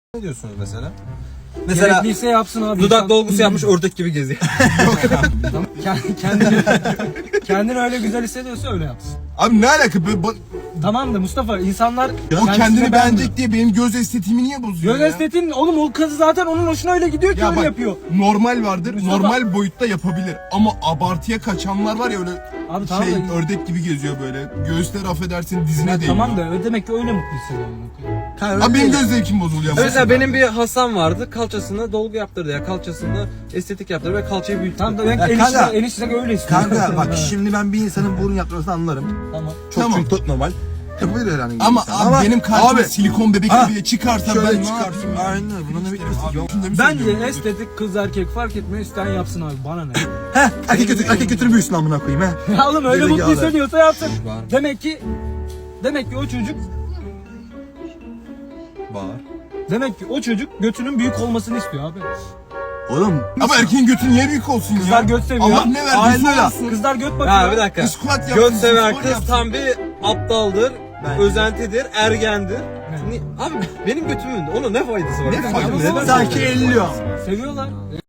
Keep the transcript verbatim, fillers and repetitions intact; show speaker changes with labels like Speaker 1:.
Speaker 1: Ne diyorsunuz mesela?
Speaker 2: Mesela
Speaker 3: Gerekliyse yapsın abi.
Speaker 2: dudak
Speaker 3: İnsan-
Speaker 2: dolgusu yapmış ördek gibi geziyor.
Speaker 3: Tamam. Kend- Kendini, kendini öyle güzel hissediyorsa öyle yapsın.
Speaker 4: Abi ne alaka? Böyle ba-
Speaker 3: Tamam da Mustafa insanlar
Speaker 4: o
Speaker 3: kendisini
Speaker 4: kendini
Speaker 3: beğenmiyor.
Speaker 4: beğenecek diye benim göz estetiğimi niye bozuyor
Speaker 3: Göz
Speaker 4: ya?
Speaker 3: estetiğin oğlum o kız zaten onun hoşuna öyle gidiyor ki
Speaker 4: Ya
Speaker 3: öyle
Speaker 4: bak,
Speaker 3: yapıyor.
Speaker 4: normal vardır.
Speaker 3: Mustafa-
Speaker 4: Normal boyutta yapabilir. Ama abartıya kaçanlar var ya öyle
Speaker 3: Abi tamam
Speaker 4: şey
Speaker 3: da-
Speaker 4: ördek gibi geziyor böyle. Göğüsler affedersin dizine
Speaker 3: Ya
Speaker 4: değiyor.
Speaker 3: tamam da öyle demek ki öyle mutlu hissediyorum.
Speaker 4: Abi benim göz zevkim bozuluyor.
Speaker 2: Mesela benim bir hastam vardı, kalçasını dolgu yaptırdı ya, kalçasını estetik yaptırdı ve kalçayı büyüttü.
Speaker 3: Tamam da demek
Speaker 5: Ya
Speaker 3: ki
Speaker 5: kanka-
Speaker 3: enişte, enişte öyle istiyor.
Speaker 5: Kanka bak
Speaker 3: Ha,
Speaker 5: şimdi ben bir insanın burun yaptırmasını anlarım.
Speaker 3: Tamam.
Speaker 5: Çok
Speaker 4: Tamam.
Speaker 5: çünkü çok normal. Yapabilir herhangi bir
Speaker 4: Ama
Speaker 5: insan.
Speaker 4: abi benim karşıma
Speaker 5: abi,
Speaker 4: silikon bebek
Speaker 5: Ha,
Speaker 4: bile çıkarsa
Speaker 5: şöyle
Speaker 4: ben ne
Speaker 5: çıkarsın.
Speaker 4: yapayım ya?
Speaker 5: Aynen buna ne bekliyorsun? Yok.
Speaker 4: Şunu da mı
Speaker 3: Bence
Speaker 4: söylüyorum?
Speaker 3: estetik kız erkek fark etmiyor isteyen yapsın abi bana ne.
Speaker 5: Heh erkek götür, erkek götür büyüsün amına koyayım he.
Speaker 3: Ya oğlum öyle
Speaker 5: Gerizekalı.
Speaker 3: mutlu hissediyorsa yapsın.
Speaker 2: Var.
Speaker 3: Demek ki demek ki o çocuk
Speaker 2: Var.
Speaker 3: demek ki o çocuk götünün büyük olmasını istiyor abi.
Speaker 5: Oğlum
Speaker 4: Ama erkeğin götü niye büyük olsun ya?
Speaker 3: Kızlar göt seviyor.
Speaker 4: Allah ne
Speaker 5: Aynen
Speaker 4: verdiyse
Speaker 5: öyle.
Speaker 4: olsun.
Speaker 3: Kızlar göt bakıyor.
Speaker 2: Ha bir dakika.
Speaker 4: Squat yapsın,
Speaker 2: Göt seven
Speaker 4: spor
Speaker 2: kız
Speaker 4: yapsın.
Speaker 2: tam bir aptaldır,
Speaker 5: Bence.
Speaker 2: özentidir, ergendir.
Speaker 3: Evet.
Speaker 2: Ni- Abi benim götümün onun ne faydası var?
Speaker 4: Ne faydası
Speaker 2: Neden-
Speaker 4: var?
Speaker 5: sanki elliyor.
Speaker 3: Seviyorlar.